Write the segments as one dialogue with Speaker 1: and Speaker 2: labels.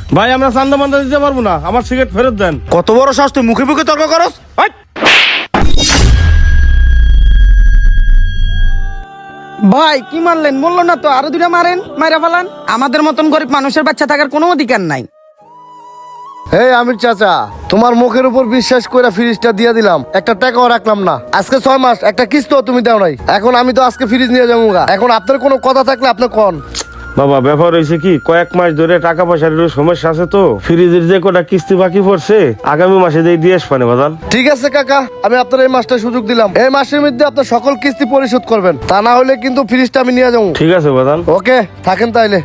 Speaker 1: ভাই আমরা চান্দা মান্দা দিতে পারবো না, আমার সিগারেট ফেরত দেন।
Speaker 2: কত বড় সাহস তুই মুখে মুখে তর্ক করস?
Speaker 3: ভাই কি মারলেন? বললো না তো আরো দুটা মারেন, মাইরা ফেলান। আমাদের মতন গরিব মানুষের বাচ্চা থাকার কোনো অধিকার নাই।
Speaker 4: এই আমির চাচা, তোমার মুখের উপর বিশ্বাস করে ফ্রিজটা দিয়ে দিলাম, একটা টাকাও রাখলাম না। আজকে 6 মাস একটা কিস্তিও তুমি দাও নাই। এখন আমি তো আজকে ফ্রিজ নিয়ে যাবো। এখন আপনার কোনো কথা থাকলে আপনি কোন।
Speaker 1: বাবা ব্যাপার হয়েছে কি, কয়েক মাস ধরে টাকা পয়সার একটু সমস্যা আছে তো, ফ্রিজের যে কটা কিস্তি বাকি পড়ছে আগামী মাসে দিয়ে আসবানে বাদান।
Speaker 4: ঠিক আছে কাকা, আমি আপনার এই মাসটা সুযোগ দিলাম। এই মাসের মধ্যে আপনার সকল কিস্তি পরিশোধ করবেন, তা না হলে কিন্তু ফ্রিজটা আমি নিয়ে যাবো।
Speaker 1: ঠিক আছে বাদান।
Speaker 4: ওকে, থাকেন তাইলে।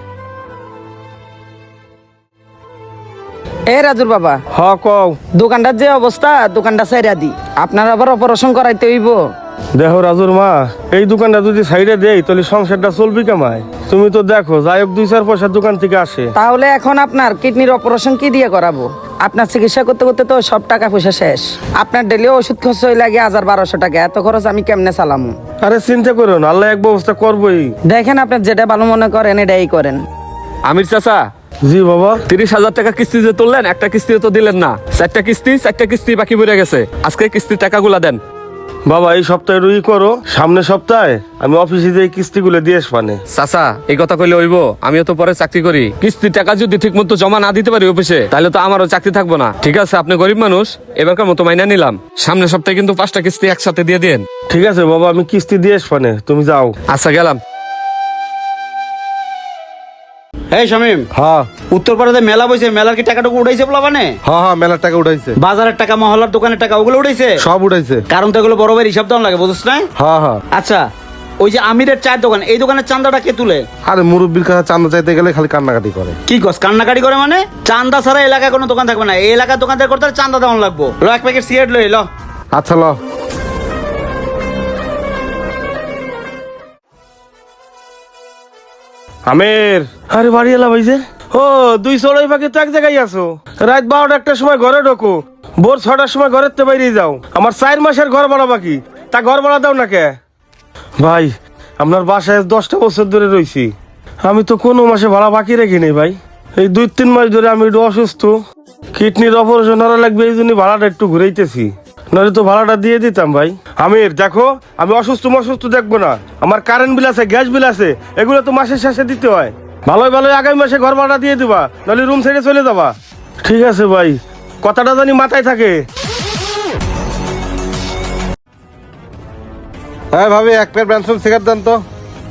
Speaker 3: এ রাজুর বাবা,
Speaker 1: হ কও।
Speaker 3: দোকানটার যে অবস্থা, দোকানটা সাইরা দি। আপনার আবার অপারেশন করাইতে হইব।
Speaker 1: দেখো রাজুর মা, এই দোকানটা যদি সাইডে দেই তাহলে সংসারটা চলবি কামায়। তুমি তো দেখো যাই হোক 2-4 পয়সার দোকান থেকে আসে।
Speaker 3: তাহলে এখন আপনার কিডনির অপারেশন কি দিয়ে করাবো? আপনার চিকিৎসা করতে করতে তো সব টাকা পয়সা শেষ। আপনার ডেলি ওষুধ খরচ হয়ে লাগে 1000-1200 টাকা। এত খরচ আমি কেমনে চালামু?
Speaker 1: আরে চিন্তা করো না, আল্লাহ এক ব্যবস্থা করবোই।
Speaker 3: দেখেন আপনার যেটা ভালো মনে করেন এটাই করেন।
Speaker 5: আমির চাচা,
Speaker 1: জি বাবা।
Speaker 5: 30,000 টাকা কিস্তি যে তুললেন, একটা কিস্তি তো দিলেন না। 4টা কিস্তি বাকি পড়ে গেছে। আজকে কিস্তির টাকাগুলা দেন।
Speaker 1: বাবা এই সপ্তাহে রুই করো, সামনের সপ্তাহে আমি অফিসে যে কিস্তিগুলো দিয়ে আসবানে।
Speaker 5: চাচা এই কথা কইলে হইব? আমিও তো পরে চাকরি করি। কিস্তির টাকা যদি ঠিক মতো জমা না দিতে পারি অফিসে, তাহলে তো আমারও চাকরি থাকবো না। ঠিক আছে, আপনি গরিব মানুষ, এবারকার মতো মাইনা নিলাম। সামনের সপ্তাহে কিন্তু 5টা কিস্তি একসাথে দিয়ে দিন।
Speaker 1: ঠিক আছে বাবা, আমি কিস্তি দিয়ে আসবানে, তুমি যাও।
Speaker 5: আচ্ছা গেলাম।
Speaker 2: এই শামিম,
Speaker 4: হ্যাঁ
Speaker 2: উত্তরপাড়াতে মেলা বইছে, মেলার কি টাকাটুকু উঠাইছে বলা মানে?
Speaker 4: হ্যাঁ, মেলার টাকা উঠাইছে,
Speaker 2: বাজারের টাকা, মহল্লার দোকানের টাকা, ওগুলো উঠাইছে?
Speaker 4: সব উঠাইছে।
Speaker 2: কারণ তো এগুলো বড় ভাই হিসাব দেওয়া লাগে, বুঝছ না?
Speaker 4: হ্যাঁ হ্যাঁ।
Speaker 2: আচ্ছা, ওই যে আমিরের চায়ের দোকান, এই দোকানের চান্দাটা কে তুলে?
Speaker 4: আরে মুরব্বীর কাছে চান্দা চাইতে গেলে খালি কান্নাকাটি করে।
Speaker 2: কি কস কান্নাকাটি করে মানে? চান্দা ছাড়া এলাকায় কোনো দোকান থাকবে না। এই এলাকার দোকানদার করতে হলে চান্দা দেওয়া লাগবো। ল 1 প্যাকেট সিগারেট লই ল।
Speaker 4: আচ্ছা ল।
Speaker 1: আমের, আরে বাড়ি এলা ভাই যে। ও 2 চড়াই ফাঁকে তো এক জায়গায় আছো। রাত 12টা একটা সময় ঘরে ঢোকো, ভোর 6টার সময় ঘরের তো বাইরে যাও। আমার 4 মাসের ঘর ভাড়া বাকি, তা ঘর ভাড়া দাও না কে? ভাই আপনার বাসায় 10টা বছর ধরে রইছি, আমি তো কোনো মাসে ভাড়া বাকি রেখি নেই ভাই। এই 2-3 মাস ধরে আমি একটু অসুস্থ, কিডনির অপারেশন করা লাগবে, এই জন্য ভাড়াটা একটু ঘুরাইতেছি, নইলে তো ভাড়াটা দিয়ে দিতাম ভাই। আমির দেখো, আমি অসুস্থ দেখবো না। আমার কারেন্ট বিল আছে, গ্যাস বিল আছে, এগুলো তো মাসের শেষে দিতে হয়। ভালোই ভালোই আগামী মাসে ঘর ভাড়া দিয়ে দিবা, নাহলে রুম ছেড়ে চলে যাবা। ঠিক আছে ভাই, কথাটা জানি মাথায় থাকে।
Speaker 4: হ্যাঁ ভাবি, 1 প্যাকেট ব্র্যানসন সিগারেট দেন তো।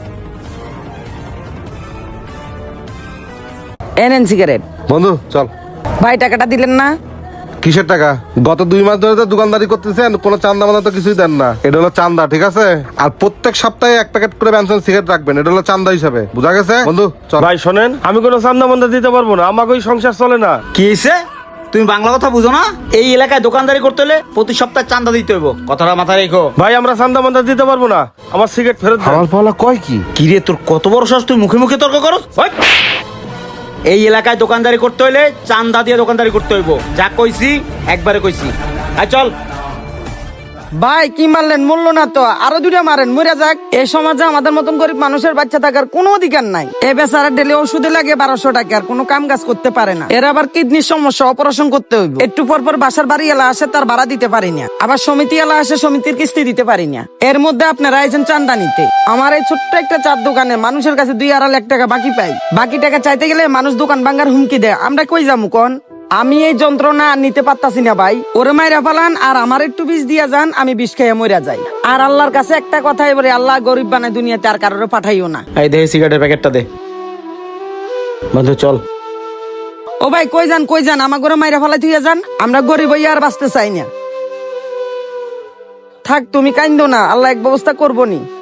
Speaker 3: এনেন সিগারেট।
Speaker 4: বন্ধু চল।
Speaker 3: ভাই টাকাটা দিলেন না?
Speaker 4: কিসের টাকা? গত 2 মাস ধরে তো দোকানদারি করতেছেন, কোনো চান্দা মান্দা তো কিছুই দেন না। এটা হলো চান্দা, ঠিক আছে? আর প্রত্যেক সপ্তাহে 1 প্যাকেট করে ব্র্যানসন সিগারেট রাখবেন, এটা হলো চান্দা হিসাবে, বুঝা গেছে? বন্ধু চল।
Speaker 1: ভাই শোনেন, আমি কোনো চান্দা মান্দা দিতে পারবো না, আমাকে ওই সংসার চলে না।
Speaker 2: কি হয়েছে? তুমি বাংলা কথা বুঝো না? এই এলাকায় দোকানদারি করতে হলে প্রতি সপ্তাহে চান্দা দিতে হইব, কথাটা মাথায় রেখো।
Speaker 1: ভাই আমরা চান্দা মান্দা দিতে পারবো না, আমার সিগারেট ফেরত দেন।
Speaker 4: হালাল পালা কয় কি?
Speaker 2: কি রে, তোর কত বড় সাহস, তুই মুখে মুখে তর্ক করস? ওই! এই এলাকায় দোকানদারি করতে হইলে চান্দা দিয়ে দোকানদারি করতে হইব, যা কইছি একবারে কইছি। আয় চল।
Speaker 3: ভাই কি মারলেন? মূল্য না তো আরো দুটা মারেন, মরে যাক। এই সমাজে আমাদের মতন গরিব মানুষের বাচ্চা থাকার কোনো অধিকার নাই। এ বেচারা ডেলি ওষুধে লাগে 1200 টাকা, আর কোনো কাম কাজ করতে পারে না। এর আবার কিডনির সমস্যা, অপারেশন করতে হইব। একটু পর পর বাসার বাড়ি এলা আসে, তার ভাড়া দিতে পারি না। আবার সমিতি এলা আসে, সমিতির কিস্তি দিতে পারি না। এর মধ্যে আপনারা আইছেন চান্দা নিতে। আমার এই ছোট্ট একটা চার দোকানে মানুষের কাছে 2-2.5 লাখ টাকা বাকি পাই। বাকি টাকা চাইতে গেলে মানুষ দোকান ভাঙ্গার হুমকি দেয়। আমরা কই যামু কোন? আমি এই যন্ত্রণা নিতে পারতাছি না ভাই। ওরে মাইরা ফালান আর আমার একটু বিষ দিয়া যান, আমি বিষ খেয়ে মইরা যাই। আর আল্লাহর কাছে একটা কথাই বলি, আল্লাহ গরিব বানায় দুনিয়াতে, আর কারোর পাঠাইও না।
Speaker 2: এই দে সিগারেটের প্যাকেটটা দে। বন্ধু চল।
Speaker 3: ও ভাই কই যান, আমার ঘরে মাইরা ফালাই থুইয়া যান। আমরা গরিব হইয়া আর বাঁচতে চাই না। থাক তুমি কাইন্দো না, আল্লাহ এক ব্যবস্থা করবো নি।